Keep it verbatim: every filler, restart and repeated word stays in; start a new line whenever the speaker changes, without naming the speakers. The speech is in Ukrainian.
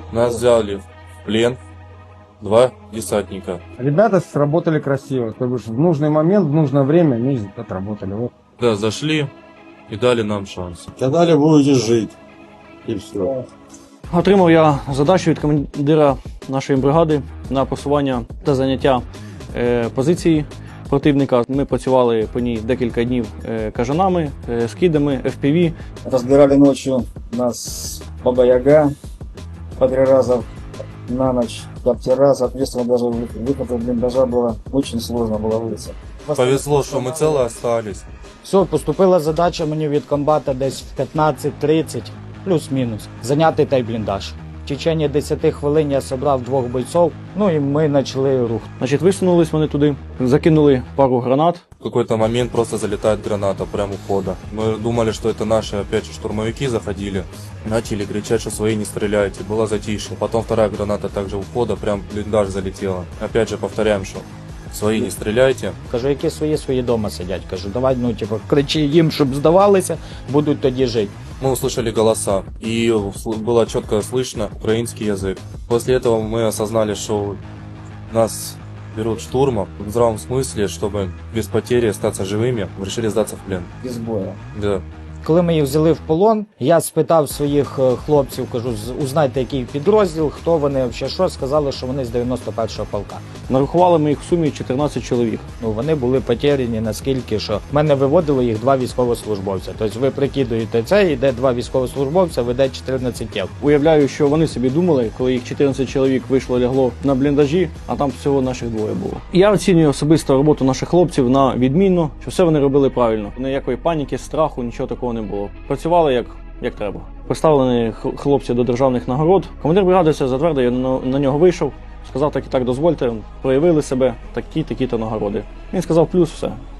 Нас взяли в плен два десантника.
Ребята сработали красиво, то бишь в нужный момент, в нужное время они отработали. Вот.
Да, зашли и дали нам шанс.
Сказали, будете жить. И все.
Отримав я задачу від командира нашої бригади на просування та заняття е, позиції противника. Ми працювали по ній декілька днів е, кажанами, е, скидами, еф пі ві.
Разбирали ночью нас Баба Яга по три раза на ночь, коптера, соответственно, даже выход из блиндажа было очень сложно было вылиться.
Повезло, что мы целы остались.
Все, поступила задача мені від комбата десь в п'ятнадцять тридцять, плюс-мінус, зайняти той бліндаж. В течение десяти хвилин я зібрав двох бойців, ну і ми почали рух.
Значить, висунулись вони туди, закинули пару гранат.
В какой-то момент просто залетает граната прямо у входа. Мы думали, что это наши опять же штурмовики заходили. Начали кричать, что свои не стреляйте. Было затишье. Потом вторая граната также у входа прям в блиндаж залетела. Опять же повторяем, что свои не стреляйте.
Кажу, які свої, свої дома сидять. Кажу, давай, ну, типу, кричи їм, щоб здавалися, будуть тоді жити.
Мы услышали голоса, и было четко слышно украинский язык. После этого мы осознали, что нас берут штурмом в здравом смысле, чтобы без потери остаться живыми, решили сдаться в плен.
Без боя.
Да.
Коли ми їх взяли в полон, я спитав своїх е, хлопців, кажу, «З- узнайте, який підрозділ, хто вони, взагалі що, сказали, що вони з дев'яносто першого полка.
Нарахували ми їх в сумі чотирнадцять чоловік.
Ну, вони були потеряні наскільки, що в мене виводило їх два військовослужбовця. Тобто ви прикидуєте це, йде два військовослужбовця, веде чотирнадцять тіл.
Уявляю, що вони собі думали, коли їх чотирнадцять чоловік вийшло лягло на бліндажі, а там всього наших двоє було. Я оцінюю особисто роботу наших хлопців на відмінно, що все вони робили правильно. Ніякої паніки, страху, нічого такого не було. Працювали як, як треба. Представлені х- хлопці до державних нагород. Командир бригади все затвердив, я на, на нього вийшов, сказав так і так дозвольте, проявили себе, такі-такі-то нагороди. Він сказав плюс, все.